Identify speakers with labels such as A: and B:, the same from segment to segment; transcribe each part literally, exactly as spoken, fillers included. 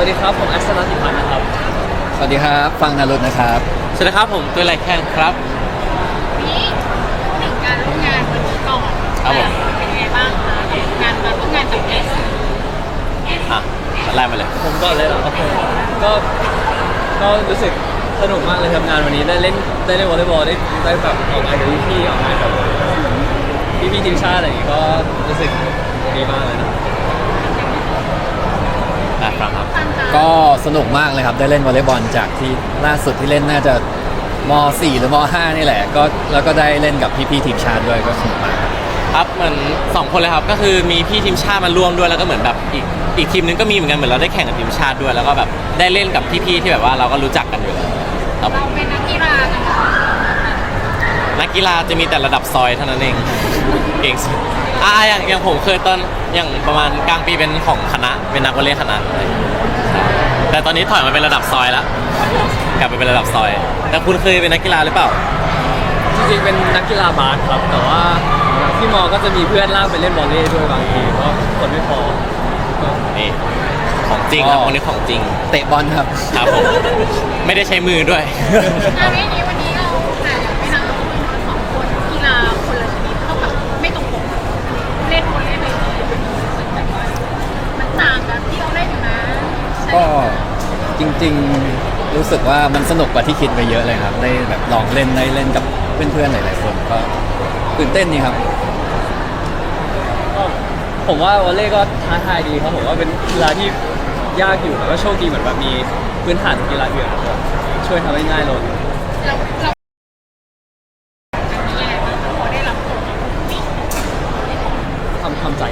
A: วัสดีครับผมอัศนันติพันธ์นะครับ
B: สวัสดีครับฟังนารุตนะครับ
C: สวัสดีครับผมตัวไรแคนครับ
D: นี้ถึงการร่วมงานวันนี้ก่อน
C: ครับผม
D: เป็นยังไงบ้างคะงานมาร่วมงานกับเอส
C: อ่ะไล่มาเลย
A: ผมก่อนเลยเหรอครับผมก็ก็รู้สึกสนุกมากเลยทำงานวันนี้ได้เล่นได้เล่นวอลเลย์บอลได้ได้แบบออกงานกับพี่ๆออกงานกับพี่พี่ทีมชาติอะไรอย่างงี้ก็รู้สึกดีมากเลยนะ
C: อ่ะฟังครับ
B: ก็สนุกมากเลยครับได้เล่นวอลเลย์บอลจากที่ล่าสุดที่เล่นน่าจะม .สี่ หรือม .ห้า นี่แหละก็แล้วก็ได้เล่นกับพี่ๆทีมชาติด้วยก็สนุกมากครับ
C: ครับเหมือนสองคนเลยครับก็คือมีพี่ทีมชาติมาร่วมด้วยแล้วก็เหมือนแบบอีกอีกทีมนึงก็มีเหมือนกันเหมือนเราได้แข่งกับทีมชาติด้วยแล้วก็แบบได้เล่นกับพี่ๆที่แบบว่าเราก็รู้จักกันอยู่แล้ว
D: เราเป็นนักกีฬากัน
C: นักกีฬาจะมีแต่ระดับซอยเท่านั้นเองเก่งสุดอ่าอย่างอย่างผมเคยตอนอย่างประมาณกลางปีเป็นของคณะเป็นนักวอลเลย์คณะแต่ตอนนี้ถอยมาเป็นระดับซอยแล้วกลับไปเป็นระดับซอยแต่คุณเคยเป็นนักกีฬาหรือเปล่า
A: จริงๆเป็นนักกีฬาบาสครับแต่ว่าที่มอก็จะมีเพื่อนลากไปเล่นวอลเลย์ด้วยบางทีเพราะคนไม่พอ
C: นี่ของจริงครับคนนี้ของจริง
B: เตะบอลครับ
C: ครับผมไม่ได้ใช้มือด้วย
D: งานนี้วันนี้เราแต่อยากไปทำเราสองคนกีฬาคนละชนิดเท่ากับไม่ตรงปกเล่นวอลเลย์เลยมันต่างกันที่เราเล่นอยู่นะ
B: ก็จริงๆรู้สึกว่ามันสนุกกว่าที่คิดไปเยอะเลยครับได้แบบลองเล่นได้เล่นกับเพื่อนๆหลายๆคนก็ตื่นเต้นนี่ครับ
A: ผมว่าวอลเลย์ก็ท้าทายดีครับผมว่าเป็นกีฬาที่ยากอยู่แต่ก็โชคดีเหมือนแบบมีพื้นฐานกีฬาอื่นช่วยทำให้ง่ายลง
D: เราเราอันนี้อะไรบ้างพอได้รับผล
A: ทำทำใจ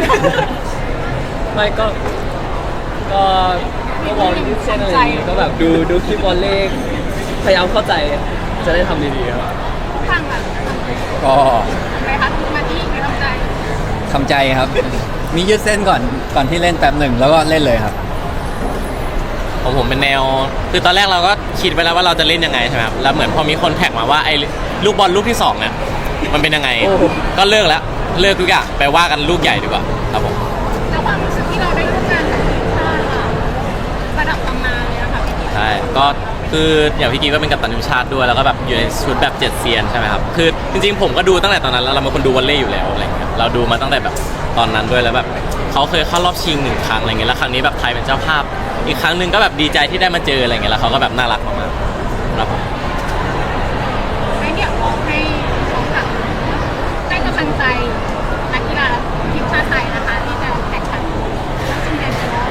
A: ไม่ก็ก็ก็มองที่เส้นอะไรอย่างงี้ก็แบบดูดูคลิปวอลเลย์พยายามเข้าใจจะได้ทำดีๆครับ
D: ฟังแบบ
B: ก็
D: อะไรคะมาที่คือทำใจ
B: ทำใจครับมียืดเส้นก่อนก่อนที่เล่นแป๊บหนึ่งแล้วก็เล่นเลยครับ
C: ผมผมเป็นแนวคือตอนแรกเราก็คิดไปแล้วว่าเราจะเล่นยังไงใช่ไหมครับแล้วเหมือนพอมีคนแท็กมาว่าไอ้ลูกบอลลูกที่สองเนี่ยมันเป็นยังไงก็เลิกแล้วเลิกทุกอย่างไปว่ากันลูกใหญ่ดีกว่าครับผม
D: แล้วความรู้สึกที่เราได้ร่วมงานกับทีมชาติค่ะระดับตำนานเลยนะคะพี่กิ๊ก
C: ใช่ก็คืออย่างพี่กิ๊กก็เป็นกัปตันทีมชาติด้วยแล้วก็แบบอยู่ในชุดแบบเจ็ดเซียนใช่ไหมครับคือจริงๆผมก็ดูตั้งแต่ตอนนั้นแล้วเราเป็นคนดูวอลเลย์อยู่แล้วอะไรเงี้ยเราดูมาตั้งแต่แบบตอนนั้นด้วยแล้วแบบเขาเคยเข้ารอบชิงหนึ่งครั้งอะไรเงี้ยแล้วครั้งนี้แบบไทยเป็นเจ้าภาพอีกครั้งหนึ่งก็แบบดีใจที่ได้มาเจออะไรเงี้ยแล้วเขาก็แบบน่ารักมากๆครับผม
D: ให้เดี๋ยวลองให้ลองแบบให้กำลังใจนักกีฬาทีมชาติไทยนะคะที่จะแข่งขันชิงแชมป์โลก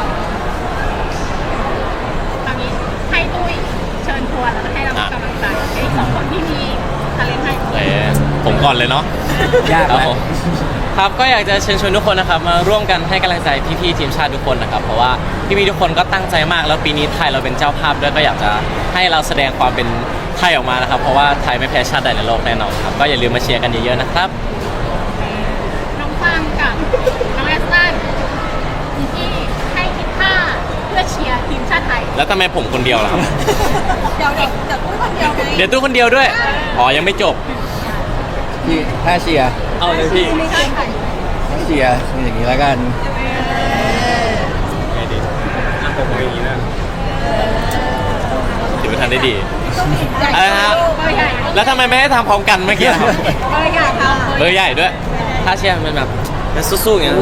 D: ตอนนี้ให้ตุ้ยเชิญชวนแล้วก็ให้เรากำลังใจไอ้สองคนที่มีทาเลนต์ให้
C: ผมก่อนเลยเนาะ
B: ยากแล้ว
C: ครับก็อยากจะเชิญชวนทุกคนนะครับมาร่วมกันให้กำลังใจพี่ๆทีมชาติทุกคนนะครับเพราะว่าพี่ๆทุกคนก็ตั้งใจมากแล้วปีนี้ไทยเราเป็นเจ้าภาพด้วยก็อยากจะให้เราแสดงความเป็นไทยออกมานะครับเพราะว่าไทยไม่แพ้ชาติใดในโลกแน่นอนครับก็อย่าลืมมาเชียร์กันเยอะๆนะครับ
D: น้องฟังกับน้องแอสตันที่ให้คิดท่าเพื่อเชียร์ทีมชาติไทย
C: แล้วทำไมผมคนเดียวล่ะครับ
D: เดี๋ยวเดี๋ยวเดี๋ยวตู้คนเดียวไง
C: เดี๋ยวตู้คนเดียวด้วยอ๋อยังไม่จบ
B: พี่ถ้าเชียร์
A: เอาเลยพี่
B: เชียร์อย่างนี้แล้วกัน
A: ไงดีอ่ะผมเป็นอย่างนี้นะ
C: ถือว่าทันได้ดีอะไรนะแล้วทำไมไม่ได้ทำพร้อมกันเมื่อกี้ครับ
D: เบอร์ใหญ่ค่ะ
C: เบอร์ใหญ่ด้วยถ้าเชียร์มันแบบสู้ๆอย่างนี้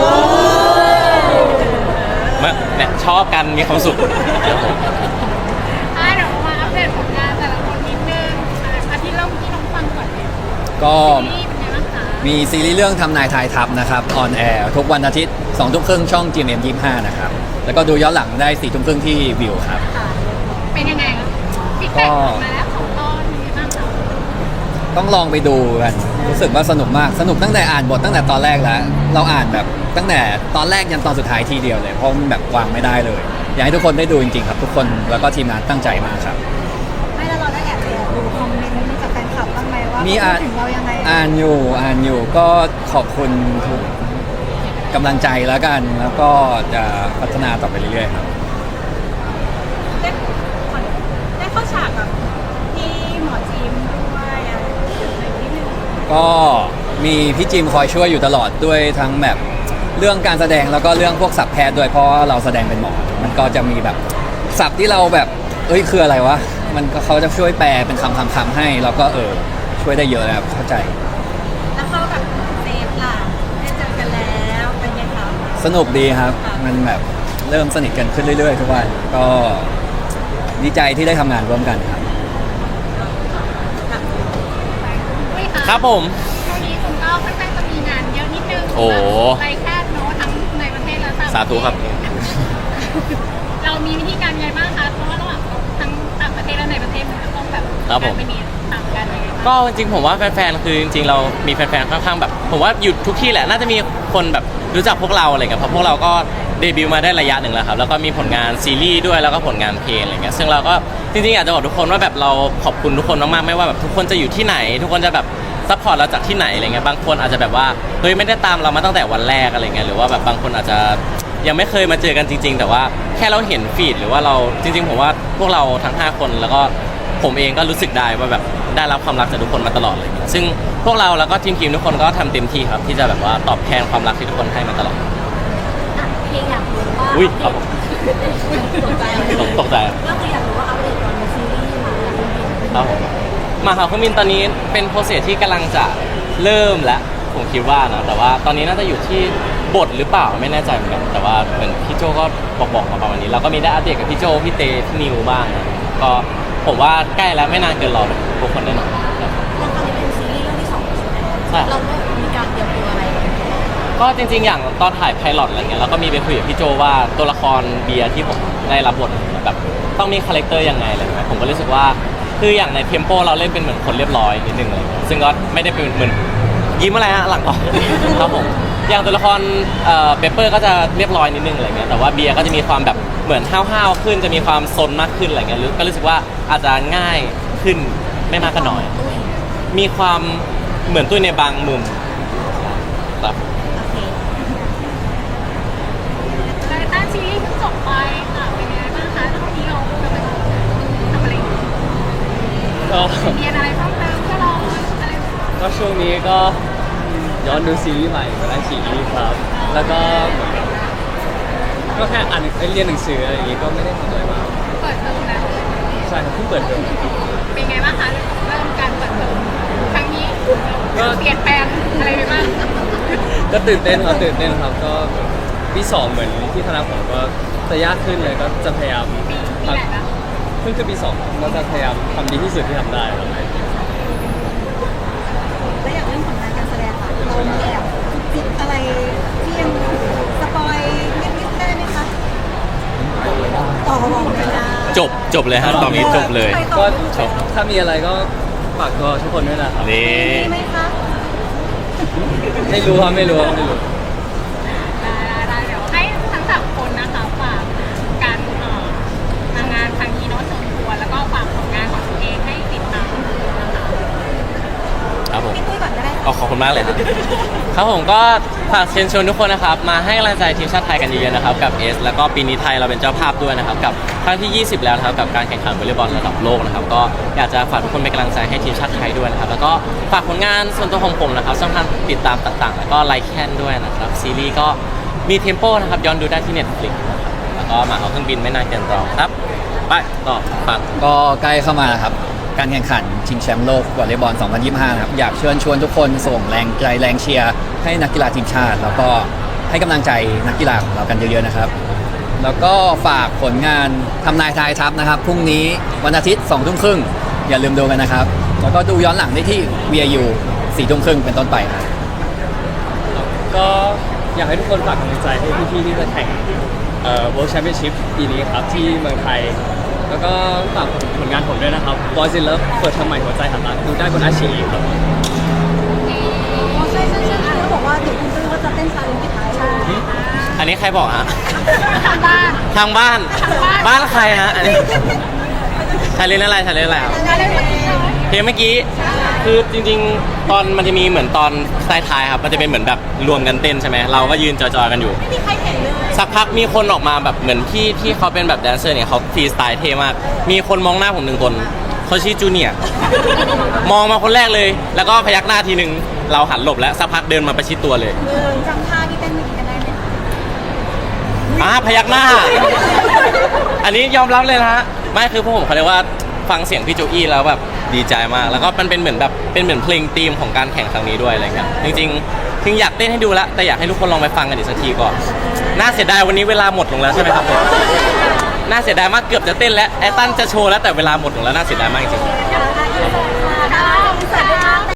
C: เนี่ยชอบกันมีความสุข
D: เดี๋ยวมาอัปเดตผลงานแต่ละคนนิดนึงอาทิตย์เล่าที่น้องฟังก่อนเลย
B: ก็มีซีรีส์เรื่องทำนายทายทัพนะครับออนแอร์ทุกวันอาทิตย์สองทุ่มครึ่งช่อง จี เอ็ม เอ็ม ยี่สิบห้านะครับแล้วก็ดูย้อนหลังได้สี่ทุ่มครึ่งที่วิวครับ
D: เป็นยังไงฟีดแบ็กมาแล้วของตอนนี้บ้างคะ
B: ต้องลองไปดูกันรู้สึกว่าสนุกมากสนุกตั้งแต่อ่านบทตั้งแต่ตอนแรกแล้วเราอ่านแบบตั้งแต่ตอนแรกยันตอนสุดท้ายทีเดียวเลยเพราะมันแบบวางไม่ได้เลยอยากให้ทุกคนได้ดูจริงๆครับทุกคนแล้วก็ทีมงานตั้งใจมากครับ
D: ไม่แล้วเราได้แอบดูคอมเมนต์นี้จากแฟนคลับบ้างไหมว่า
B: มีอ่าน
D: ถึงเรายังไง
B: อ่านอยู่อ่านอยู่ก็ขอบคุณทุกกำลังใจแล้วกันแล้วก็จะพัฒนาต่อไปเรื่อยๆครับ
D: ได้ได้เข้าฉากกับพี่หมอจิมด้วยอะไรนิดนึง
B: ก็มีพี่จิมคอยช่วยอยู่ตลอดด้วยทั้งแบบเรื่องการแสดงแล้วก็เรื่องพวกศัพท์แพทย์ด้วยเพราะเราแสดงเป็นหมอมันก็จะมีแบบศัพท์ที่เราแบบเอ้ยคืออะไรวะมันก็เขาจะช่วยแปลเป็นคำคำคำให้แล้วก็เออช่วยได้เยอะนะครับเข้าใจ
D: แล้วเขาแบบเซฟล่ะได้เจอกันแล้วเป็นไงคะ
B: สนุกดีครับ มันแบบเริ่มสนิทกันขึ้นเรื่อยๆทุกวันก็ดีใจที่ได้ทำงานร่วมกันครับ
D: อุ้ยะ
C: ครับผม
D: ช่วงนี้คุณก็ค่อนข้างจะมีงานเยอะนิดนึง
C: โอ้
D: ไรแค่โน้ตทั้งในประเทศและต่างประเทศ
C: สาธุครับ
D: เรามีวิธีการยังไงบ้างคะ เพราะว่าระหว่างทั้งต่างประเทศและในประเทศมันก็ต้องแบบ
C: ครับผม
D: การไปเนียต่างกันยังไงบ้าง
C: ก็จริงๆผมว่าแฟนๆ คือจริงๆ เรามีแฟนๆ ค่อนข้างแบบ ผมว่าอยู่ทุกที่แหละ น่าจะมีคนแบบรู้จักพวกเราอะไรเงี้ย เพราะพวกเราก็เดบิวต์มาได้ระยะหนึ่งแล้วครับ แล้วก็มีผลงานซีรีส์ด้วย แล้วก็ผลงานเพลงอะไรเงี้ย ซึ่งเราก็จริงๆ อยากจะบอกทุกคนว่าแบบเราขอบคุณทุกคนมากๆ ไม่ว่าแบบทุกคนจะอยู่ที่ไหน ทุกคนจะแบบซัพพอร์ตเราจากที่ไหนอะไรเงี้ย บางคนอาจจะแบบว่า เฮ้ยไม่ได้ตามเรามาตั้งแต่วันแรกอะไรเงี้ย หรือว่าแบบบางคนอาจจะยังไม่เคยมาเจอกันจริง ๆ แต่ว่าแค่เราเห็นฟีดหรือว่าเราจริงๆ ผมว่าพวกเราทั้งห้าคนแล้วก็ผมเองก็รู้สึกได้ว่าแบบได้รับความรักจากทุกคนมาตลอดเลยซึ่งพวกเราแล้วก็ทีมทีมทุกคนก็ทำเต็มที่ครับที่จะแบบว่าตอบแทนความรักที่ทุกคนให้มาตลอด
D: เพลงอยากรู้ว่า
C: อุ้ยครับผม
D: ตกใจ
C: ตกตกใจ
D: ก็คืออยากรู้ว่าอัปเดตตอนในซีรีส์มาแล้วเป็นยังไง
C: ครับผมมาหาเครื่องบินตอนนี้เป็นโปรเซสที่กำลังจะเริ่มแล้วผมคิดว่านะแต่ว่าตอนนี้น่าจะอยู่ที่บทหรือเปล่าไม่แน่ใจเหมือนกันแต่ว่าเหมือนพี่โจก็บอกบอกมาประมาณนี้เราก็มีได้อัปเดตกับพี่โจพี่เตพี่นิวบ้างนะก็ผมว่าใกล้แล้วไม่นานเกินรอทุกคนแน่นอนครับ
D: แล้วตอนนี้เป็นซีรีส์เรื่องที่สองใช่ไหม
C: ใช่
D: เราก็มีการเตรียมตัวอะไรกันไหม
C: ก็จริงๆ อย่างตอนถ่ายไพลอตอะไรเงี้ยเราก็มีไปคุยกับพี่โจว่าตัวละครเบียร์ที่ผมได้รับบทแบบต้องมีคาแรคเตอร์ยังไงอะไรเงี้ยผมก็รู้สึกว่าคืออย่างในเทมโปเราเล่นเป็นเหมือนคนเรียบร้อยนิดนึงอะไรเงี้ยซึ่งก็ไม่ได้เป็นเหมือนยิ้มอะไรฮะหลังออกครับผมอย่างตัวละครเอ่อเปเปอร์ก็จะเรียบร้อยนิดนึงอะไรเงี้ยแต่ว่าเบียร์ก็จะมีความแบบเหมือนห้าวๆขึ้นจะมีความซนมากขึ้นอะไรเงี้ยก็รู้สึกว่าอาจจะง่ายขึ้นไม่มากก็น้อย มีความเหมือนตุ้ยในบางมุมครับ
D: โอเคแล้วต้าซีรีส์เพิ่งจบไปค่ะเป็นยังไงบ้างคะแล้ววันนี้เรากำลังทำอะไรอยู่
A: ก็
D: เรียนอะไรเพิ่มเติมเพื่อเราอะไร
A: ก็ช่วงนี้ก็ย้อนดูซีรีส์ใหม่มาได้ซีรีส์ครับ แล้วก็เหมือนกับก็แค่อ่านเรียนหนังสืออะไรอย่างงี้ก็ไม่ได้ทำอะไรมาก
D: เปิดเทอมแล้ว
A: ใช่ครับเพิ่งเปิดเทอม
D: เป็นไงบ้างคะเริ่มการเปิดเทอมครั้งนี้เปลี่ยนแปลงอะไรไปบ้าง
A: ก็ตื่นเต้นครับตื่นเต้นครับก็ปีสองเหมือนที่คณะผมก็จะยากขึ้นเลยก็จะพยายาม
D: ปีปีไหนนะ
A: เพิ่งขึ้นปีสองก็จะพยายามทำดีที่สุดที่ทำได้ครับ
D: แล้วอย่างเรื่องผลงานการแสดงค่ะเรามีแอบจิบอะไรที่ยังสปอยนิดๆได้ไหมคะต่อบอกไม่ได้
C: จบจบเลยฮะตอนนี้จบเลย
A: ก็ถ้ามีอะไรก็ฝากตัวทุกคนด้วยนะครับ
C: นี่
D: มีไหมคะ
A: ไม่รู้ครับไม่รู้ครับไม่รู้
D: ได้ได้เดี๋ยวให้ทั้งสามคนนะคะฝากการเอ่อทำงานครั้งนี้เนาะเชิญชวนแล้วก็ฝากผลงานของตัวเองให้ติดตามนะคะ
C: ครับผม
D: พี่ตุ้ยก่อนก็ได้
C: เอาขอบคุณมากเลยครับ ครับผมก็ฝากเชิญชวนทุกคนนะครับมาให้กำลังใจทีมชาติไทยกันเยอะๆนะครับกับเอสแล้วก็ปีนี้ไทยเราเป็นเจ้าภาพด้วยนะครับกับครั้งที่ ยี่สิบ แล้วนะครับกับการแข่งขันวอลเลย์บอลระดับโลกนะครับก็อยากจะฝากทุกคนเป็นกำลังใจให้ทีมชาติไทยด้วยนะครับแล้วก็ฝากผลงานส่วนตัวของผมนะครับช่องทางติดตามต่างๆ แล้วก็ไลค์แคนด้วยนะครับซีรีส์ก็มีเทมโปนะครับย้อนดูได้ที่ Netflix นะครับแล้วก็มาเอาเครื่องบินไม่นานเกินรอครับไปต่อฝาก
B: ก็ใกล้เข้ามาแล้วครับ การแข่งขันชิงแชมป์โลกวอลเลย์บอล สองพันยี่สิบห้า นะครับ อยากเชิญชวนทุกคนส่งแรงใจแรงเชียร์ให้นักกีฬาทีมชาติ แล้วก็ให้กำลังใจนักกีฬาของเรากันเยอะๆนะครับ แล้วก็ฝากผลงานทำนายทายทัพนะครับ พรุ่งนี้วันอาทิตย์สองทุ่มครึ่งอย่าลืมดูกันนะครับ แล้วก็ดูย้อนหลังได้ที่ วี ไอ ยู สี่ทุ่มครึ่งเป็นต้นไปครับ
A: ก็อยากให้ทุกคนฝากกำลังใจให้พี่ๆที่จะแข่งเอ่อ World Championship ปีนี้ครับที่เมืองไทย แล้วก็ฝากผลงานผมด้วยนะครับ Boys in Love เปิดทำใหม่หัวใจหันหลังดูได้บนอาชีครับ
D: ใช่ใช่ใช่เขาบอกว่าเดี๋ยวคุณตุ้ยก็จะเต้นชาเลนจ์ปิดท้ายใช่
C: อันนี้ใครบอกฮะ
D: ทางบ้าน
C: ทางบ้าน
D: ทางบ้าน
C: บ้านใครฮะอันนี้ชาเลนอะไรชาเลนอะไรครับ
D: งานเล่นเมื่อกี้เลย
C: เพลงเมื่อกี้คือจริงๆ ตอนมันจะมีเหมือนตอนท้ายๆครับมันจะเป็นเหมือนแบบรวมกันเต้นใช่ไหมเราก็ยืนจอยๆกันอยู่
D: ไม่มีใครเห็นเลย
C: สักพักมีคนออกมาแบบเหมือนที่ที่เขาเป็นแบบแดนเซอร์เนี่ยเขาฟรีสไตล์เท่มาก มีคนมองหน้าผมหนึ่งคนเขาชื่อจูเนียร์มองมาคนแรกเลย แล้วก็พยักหน้าทีนึงเราหันหลบแล้วสักพักเดินมาประชิดตัวเลย
D: เออจำท่าที่เต้นเมื่อกี้กันได้ไหมคะ
C: อ่าพยักหน้า อันนี้ยอมรับเลยนะฮะไม่คือพวกผมเขาเรียกว่าฟังเสียงพี่โจอี้แล้วแบบดีใจมากแล้วก็มันเป็นเหมือนแบบเป็นเหมือนเพลงธีมของการแข่งครั้งนี้ด้วยอะไรเงี้ยจริงๆถึงอยากเต้นให้ดูแล้วแต่อยากให้ทุกคนลองไปฟังกันอีกสักทีก่อนน่าเสียดายวันนี้เวลาหมดลงแล้วใช่ไหมครับผมน่าเสียดายมากเกือบจะเต้นแล้วไอ้ตั้นจะโชว์แล้วแต่เวลาหมดลงแล้วน่าเสียดายมากจริงๆ